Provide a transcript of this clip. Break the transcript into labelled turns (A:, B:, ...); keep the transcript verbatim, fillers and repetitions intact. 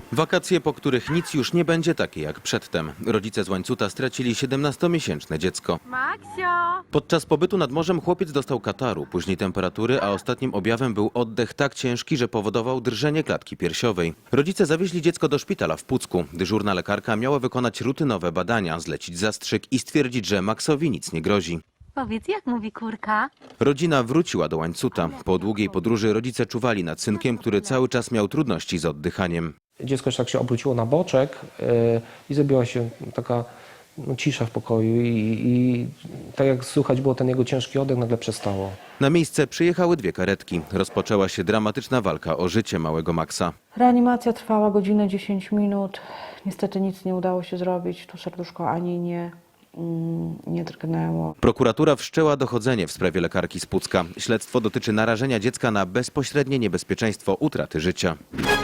A: Wakacje, po których nic już nie będzie takie jak przedtem. Rodzice z Łańcuta stracili siedemnastomiesięczne dziecko.
B: Maksio!
A: Podczas pobytu nad morzem chłopiec dostał kataru, później temperatury, a ostatnim objawem był oddech tak ciężki, że powodował drżenie klatki piersiowej. Rodzice zawieźli dziecko do szpitala w Pucku. Dyżurna lekarka miała wykonać rutynowe badania, zlecić zastrzyk i stwierdzić, że Maksowi nic nie grozi.
B: Powiedz, jak mówi kurka?
A: Rodzina wróciła do Łańcuta. Po długiej podróży rodzice czuwali nad synkiem, który cały czas miał trudności z oddychaniem.
C: Dziecko jeszcze tak się obróciło na boczek yy, i zrobiła się taka no, cisza w pokoju i, i tak jak słychać było ten jego ciężki oddech, nagle przestało.
A: Na miejsce przyjechały dwie karetki. Rozpoczęła się dramatyczna walka o życie małego Maksa.
D: Reanimacja trwała godzinę dziesięć minut. Niestety nic nie udało się zrobić. Tu serduszko ani nie, mm, nie drgnęło.
A: Prokuratura wszczęła dochodzenie w sprawie lekarki z Pucka. Śledztwo dotyczy narażenia dziecka na bezpośrednie niebezpieczeństwo utraty życia.